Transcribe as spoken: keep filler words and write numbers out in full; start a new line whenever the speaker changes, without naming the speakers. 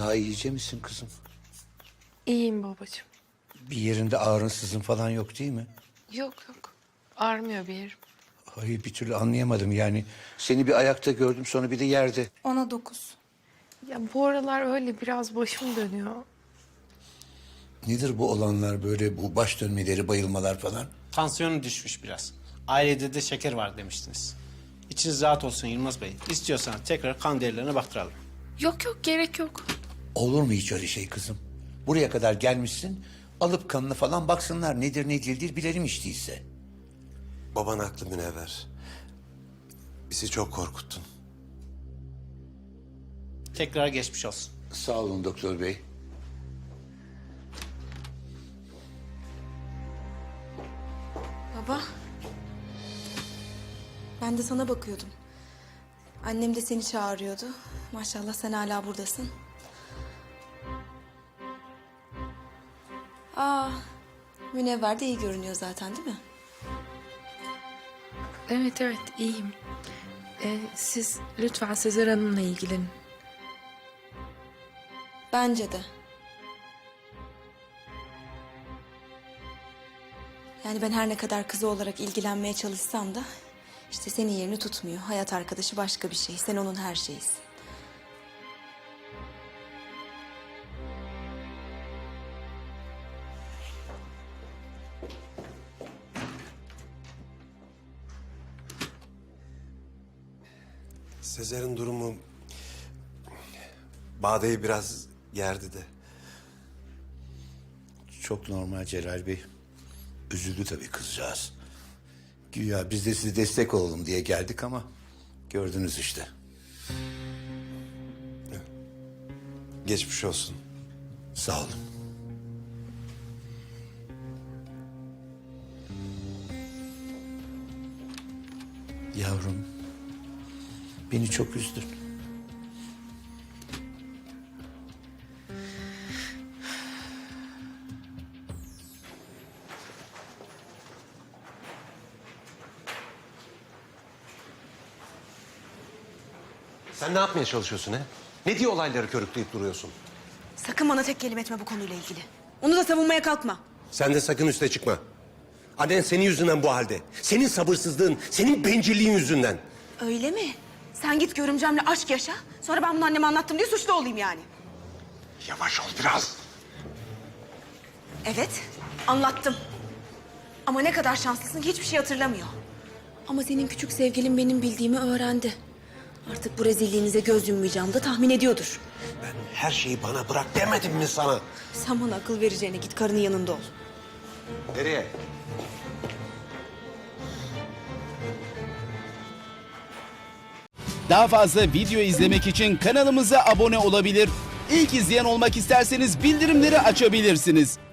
Daha iyice misin kızım?
İyiyim babacığım.
Bir yerinde ağrın sızın falan yok değil mi?
Yok yok. Ağrımıyor bir yerim.
Hayır, bir türlü anlayamadım yani. Seni bir ayakta gördüm, sonra bir de yerde.
Ona dokuz.
Ya bu aralar öyle biraz başım dönüyor.
Nedir bu olanlar böyle, bu baş dönmeleri, bayılmalar falan?
Tansiyonu düşmüş biraz. Ailede de şeker var demiştiniz. İçiniz rahat olsun Yılmaz Bey. İstiyorsanız tekrar kan değerlerine baktıralım.
Yok yok gerek yok.
Olur mu hiç öyle şey kızım? Buraya kadar gelmişsin, alıp kanını falan baksınlar. Nedir ne değildir bilelim hiç değilse.
Baban haklı Münevver. Bizi çok korkuttun.
Tekrar geçmiş olsun.
Sağ olun doktor bey.
Baba. Ben de sana bakıyordum. Annem de seni çağırıyordu. Maşallah sen hala buradasın. Aa, Münevver de iyi görünüyor zaten değil mi?
Evet evet iyiyim. Ee, siz lütfen Sezer Hanım'la ilgilenin.
Bence de. Yani ben her ne kadar kızı olarak ilgilenmeye çalışsam da... ...işte senin yerini tutmuyor. Hayat arkadaşı başka bir şey. Sen onun her şeyisin.
Sezer'in durumu... Bade'yi biraz gerdi de.
Çok normal Celal Bey. Üzüldü tabii kızcağız. Güya biz de size destek olalım diye geldik ama... ...gördünüz işte.
Geçmiş olsun.
Sağ olun. Yavrum, beni çok üzdün.
Sen ne yapmaya çalışıyorsun he? Ne diye olayları körükleyip duruyorsun?
Sakın bana tek kelime etme bu konuyla ilgili. Onu da savunmaya kalkma.
Sen de sakın üste çıkma. Annen senin yüzünden bu halde. Senin sabırsızlığın, senin bencilliğin yüzünden.
Öyle mi? Sen git görümcemle aşk yaşa. Sonra ben bunu anneme anlattım diye suçlu olayım yani.
Yavaş ol biraz.
Evet, anlattım. Ama ne kadar şanslısın ki hiçbir şey hatırlamıyor. Ama senin küçük sevgilin benim bildiğimi öğrendi. Artık bu rezilliğinize göz yummayacağımı da tahmin ediyordur.
Ben her şeyi bana bırak demedim mi sana?
Sen bana akıl vereceğine git karının yanında ol.
Nereye?
Daha fazla video izlemek için kanalımıza abone olabilir. İlk izleyen olmak isterseniz bildirimleri açabilirsiniz.